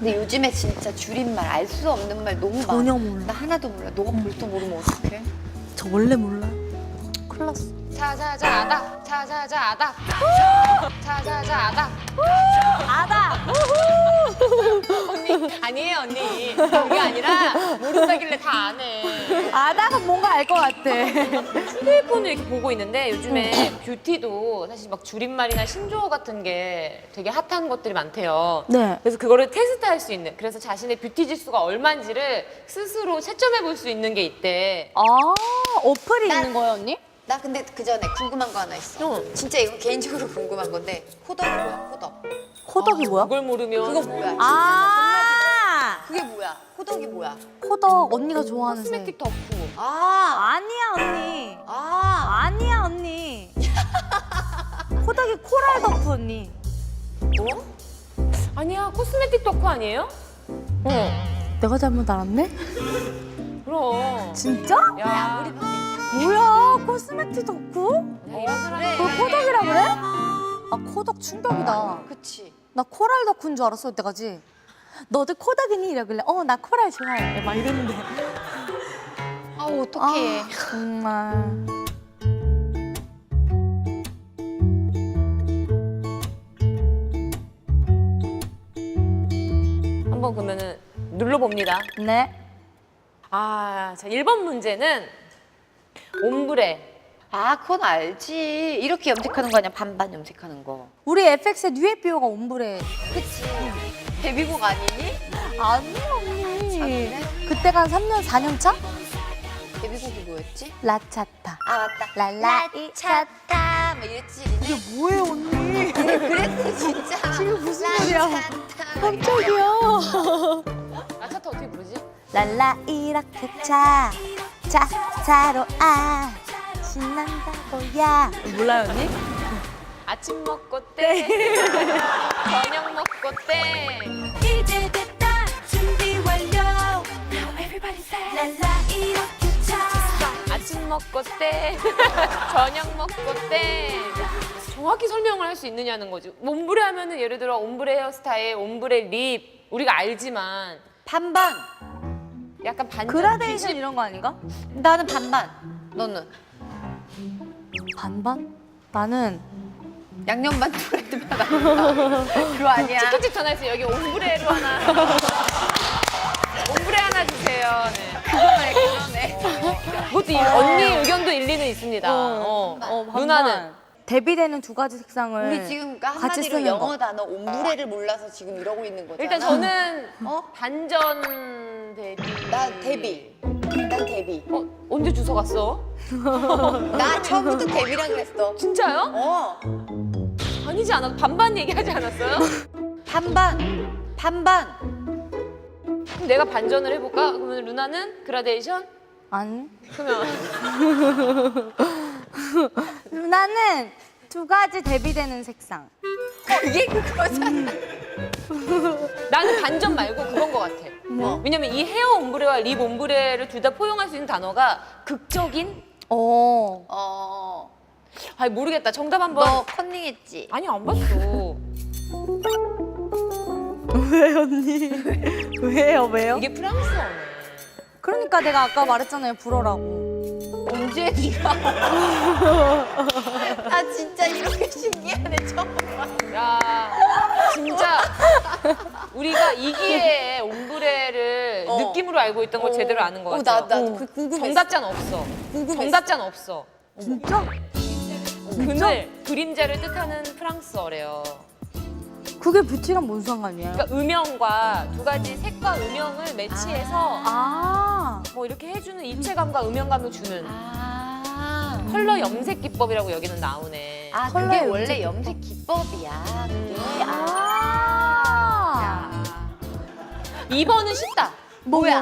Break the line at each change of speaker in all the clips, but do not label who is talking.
근데 요즘에 진짜 줄임말, 알 수 없는 말 너무 많아.
전혀 몰라.
나 하나도 몰라. 너가 벌써 모르면 어떡해?
저 원래 몰라. 큰일 났어.
자자자아다 자자자아다 자자자아다
아다!
언니 아니에요 언니 그게 아니라 모른다길래 다 아네.
아다가 뭔가 알 것 같아.
휴대폰을 이렇게 보고 있는데 요즘에 뷰티도 사실 막 줄임말이나 신조어 같은 게 되게 핫한 것들이 많대요.
네.
그래서 그거를 테스트할 수 있는, 그래서 자신의 뷰티 지수가 얼마인지를 스스로 채점해 볼 수 있는 게 있대.
아, 어플이
난-
있는 거예요, 언니?
나 근데 그 전에 궁금한 거 하나 있어. 진짜 이거 개인적으로 궁금한 건데 호덕이 뭐야? 호덕.
호덕이 뭐야?
그걸 모르면
그거 뭐야?
아,
그게 뭐야? 호덕이 뭐야?
호덕 언니가 좋아하는 색.
코스메틱 덕후.
아,
아니야, 언니.
아,
아니야, 언니. 호덕이 코랄 덕후 언니.
아니야, 코스메틱 덕후 아니에요?
내가 잘못 알았네?
그럼.
진짜?
야,
아무리 봐도 이상해.
뭐야, 코스메틱 덕후?
이런 사람이
그걸 코덕이라 그래? 아, 코덕 충격이다.
그치.
나 코랄 덕후인 줄 알았어, 그때까지. 너도 코덕이니? 이러길래 나 코랄 좋아해. 막 이랬는데.
아, 어떡해.
아, 정말.
한번 그러면은 눌러봅니다.
네.
아, 자, 1번 문제는 옴브레.
아, 그건 알지. 이렇게 염색하는 거 아니야? 반반 염색하는 거.
우리 FX의 뉴에피오가 옴브레.
그치. 데뷔곡 아니니?
아니야, 언니.
그래?
그때가 한 3년, 4년 차?
데뷔곡이 뭐였지?
라차타.
아, 맞다.
랄라이
차타. 막 이랬지.
이게 뭐예요, 언니?
그랬어, 진짜.
지금 무슨 소리야?
라차타.
깜짝이야.
아차타 어떻게 부르지?
랄라이라크 차. 차, 차로 아. 신난다고야. 몰라요, 언니?
아침 먹고 땡. 저녁 먹고 땡.
이제 됐다 준비 완료 Now everybody say 랄라 이렇게 차
아침 먹고 땡. 저녁 먹고 땡. 정확히 설명을 할 수 있느냐는 거지. 옴브레 하면은 예를 들어 옴브레 헤어스타일, 옴브레 립 우리가 알지만
반반.
약간 반전
그라데이션
뒤집-
이런 거 아닌가?
나는 반반. 너는?
반반? 나는
양념 반, 프라이드 반 아닌가? 그거 아니야?
치킨집 전화해서 여기 옴브레로 하나. 옴브레 하나 주세요. 네.
그거네.
그것도 언니 의견도 일리는 있습니다.
반반.
누나는
대비되는 두 가지 색상을
우리 지금
같이
한마디로
쓰는
영어
거.
단어 옴브레를 몰라서 지금 이러고 있는 거잖아.
일단 저는
어?
반전 데뷔.
나 데뷔. 난 데뷔.
언제 주소 갔어?
나 처음부터 데뷔라 그랬어.
진짜요?
어.
아니지 않았어? 반반 얘기하지 않았어요?
반반. 반반.
그럼 내가 반전을 해볼까? 그러면 루나는 그라데이션?
아니.
그러면
루나는 두 가지 대비되는 색상.
그게 그거잖아.
나는 반전 말고 그건 것 같아.
뭐?
왜냐면 이 헤어 옴브레와 립 옴브레를 둘 다 포용할 수 있는 단어가 극적인?
어.
아니 모르겠다. 정답 한번.
너 컨닝했지?
아니 안 봤어.
왜 언니? 왜요?
이게 프랑스어네.
그러니까 내가 아까 말했잖아요, 불어라고.
언제 네가? 나 진짜 이렇게 신기하네 처음 봐.
야, 진짜 우리가 이 기회에 옴브레를
어.
느낌으로 알고 있던 걸 제대로 아는 것 같아.
나도 그 궁금했어.
정답자는 없어.
궁금했어.
정답자는 없어.
진짜?
그늘, 그림자를 뜻하는 프랑스어래요.
그게 뷰티랑 뭔 상관이에요?
그러니까 음영과 두 가지 색과 음영을 매치해서
아.
뭐 이렇게 해주는 입체감과 음영감을 주는
아.
컬러 염색 기법이라고 여기는 나오네.
아,
컬러
그게
염색
원래 염색 기법이야. 그게.
아.
2번은 쉽다.
뭐야?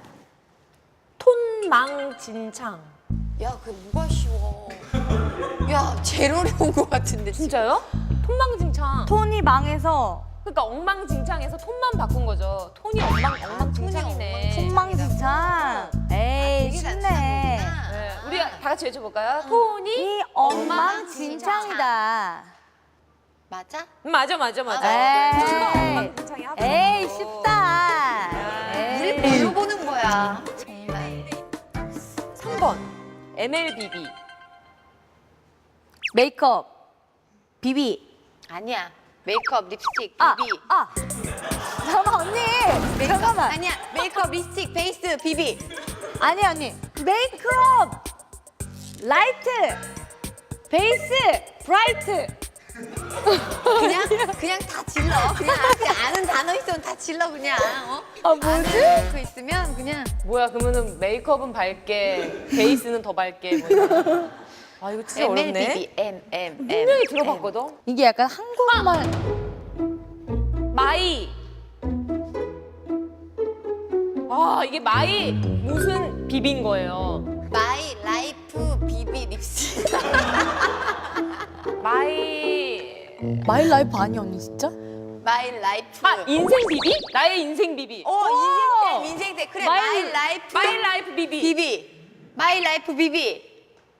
톤망진창.
야, 그게 뭐가 쉬워. 야, 제일 어려운 것 같은데. 지금.
진짜요? 톤망진창.
톤이 망해서
그러니까 엉망진창에서 톤만 바꾼 거죠. 톤이 엉망진창이네.
톤망진창. 에이,
되게
쉽네.
단순하구나.
네, 우리 다 같이 외쳐볼까요? 톤이
이 엉망진창이다.
맞아?
맞아.
에이,
창이
에이 쉽다.
우리
에이.
뭘로 보는 거야? 정말.
3번 MLBB.
메이크업, 비비.
아니야. 메이크업, 립스틱,
아,
비비.
아. 잠깐만 언니. 잠깐만.
아니야. 메이크업, 립스틱, 베이스, 비비.
아니. 메이크업, 라이트, 베이스, 브라이트.
그냥 다 질러. 그냥 아는 단어 있으면 다 질러 그냥. 어?
아 뭐지?
아는 그 있으면 그냥.
뭐야 그러면은 메이크업은 밝게, 베이스는 더 밝게. 뭐 이런. 아 이거 진짜 어렵네.
MLBB, M.
분명히 들어봤거든.
이게 약간 한국말.
마이. 아 이게 마이 무슨 비빈 거예요.
마이 라이프 비비 립스틱.
마이.
마이 라이프 아니야 언니 진짜?
마이 라이프.
아 인생 비비? 나의 인생 비비.
인생템. 그래.
마이
마이 라이프.
마이 라이프 비비.
비비. 마이 라이프 비비.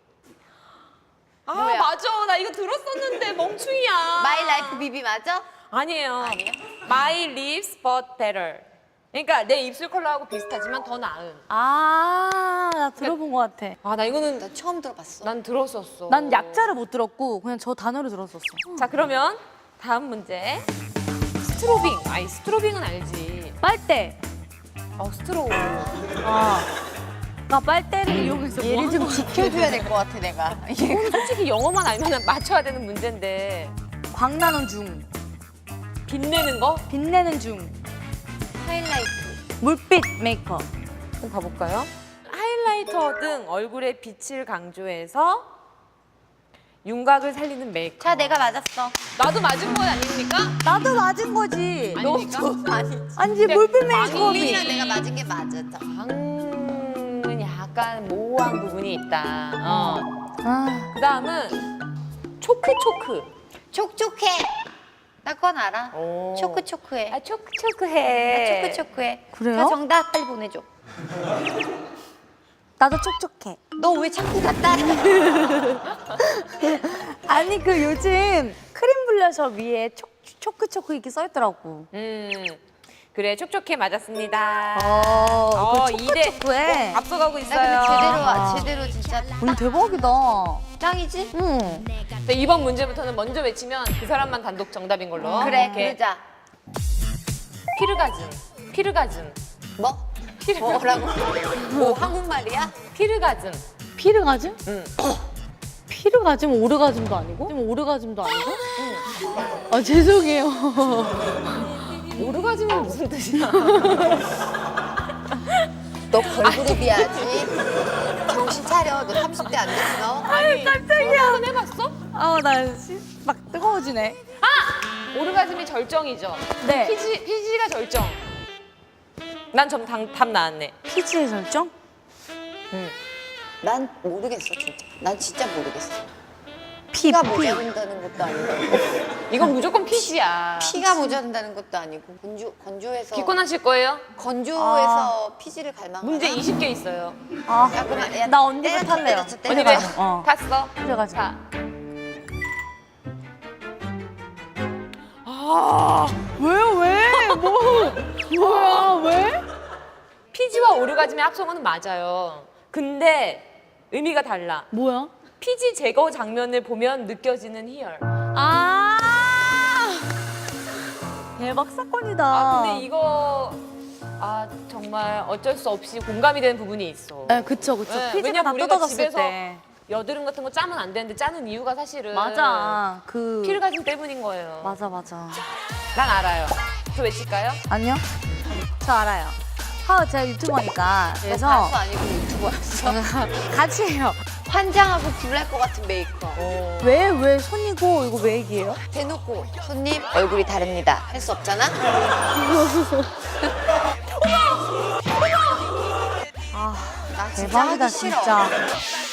아
뭐야?
맞아 나 이거 들었었는데 멍충이야.
마이 라이프 비비 맞아?
아니에요.
아니에요?
My lips but better. 그러니까 내 입술 컬러하고 비슷하지만 더 나은.
나 들어본 것 같아.
아 나 이거는
나 처음 들어봤어.
난 들었었어.
난 약자를 못 들었고 그냥 저 단어를 들었었어.
자 그러면 다음 문제. 스트로빙. 아이 스트로빙은 알지.
빨대.
스트로.
나 빨대를 이용해서 뭐
얘를
하는
좀
거야?
지켜줘야 될 것 같아 내가.
이건 솔직히 영어만 알면 맞춰야 되는 문제인데.
광나는 중,
빛내는 거?
빛내는 중,
하이라이트.
물빛 메이크업.
한번 봐볼까요? 하이라이터 등 얼굴의 빛을 강조해서 윤곽을 살리는 메이크업.
자 내가 맞았어.
나도 맞은 건 아닙니까?
나도 맞은 거지.
아닙니까?
아니지 물빛 메이크업이.
광민이랑 내가 맞은 게 맞아.
광은 약간 모호한 부분이 있다.
아,
그 다음은 초크.
촉촉해. 나 그건 알아.
오.
초크초크해.
아 초크해.
초크초크해.
그래요?
자 정답 빨리 보내줘.
나도 촉촉해.
너 왜 자꾸 갔다?
아니 그 요즘 크림 블러셔 위에 초크 이렇게 써있더라고.
그래 촉촉해 맞았습니다.
그
이대
초크초크해.
앞서가고
나
있어요.
근데 제대로 진짜
오늘 대박이다.
짱이지?
응.
자, 이번 문제부터는 먼저 외치면 그 사람만 단독 정답인 걸로.
그래
이렇게.
그러자.
피르가즘.
뭐? 뭐라고? 뭐 한국말이야?
피르가즘.
피르가즘?
응.
피르가즘 오르가즘도 아니고? 지금 오르가즘도 아니고? 아 죄송해요.
오르가즘은 무슨 뜻이야?
너 걸그룹이야지. 정신 차려. 너 30대 안 됐어?
아유 깜짝이야.
한번 해봤어?
막 뜨거워지네.
오르가즘이 절정이죠.
네.
피지가 절정. 난 답 나왔네.
피지의 절정?
난 모르겠어 진짜. 난 진짜 모르겠어. 피가 모자란다는 것도 아니고
이건 무조건 피지야.
피가 모자란다는 것도 아니고 건조해서
기권하실 거예요?
건조해서 피지를 갈망하나?
문제 20개 있어요.
야 그만 야,
나 언니가
때려쳐,
탈래요.
때려쳐, 때려쳐.
언니 왜?
어.
탔어?
그래가지고.
자.
왜? 뭐야 왜?
피지와 오르가즘의 합성어는 맞아요. 근데 의미가 달라.
뭐야?
피지 제거 장면을 보면 느껴지는 희열.
대박 사건이다.
근데 이거 정말 어쩔 수 없이 공감이 되는 부분이 있어.
네, 그쵸.
네,
피지가
왜냐면
다
우리가
뜯어졌을
집에서
때.
여드름 같은 거 짜면 안 되는데 짜는 이유가 사실은
맞아.
피르가즘 때문인 거예요.
맞아.
난 알아요. 저 외칠까요?
아니요? 저 알아요. 제가 유튜버니까.
너
그래서
가수 아니고 유튜버였어?
같이 해요.
환장하고 불날 것 같은 메이크업.
왜 손이고 이거 왜 얘기해요?
대놓고 손님 얼굴이 다릅니다. 할 수 없잖아? 나 진짜
대박이다
하기 싫어.
진짜.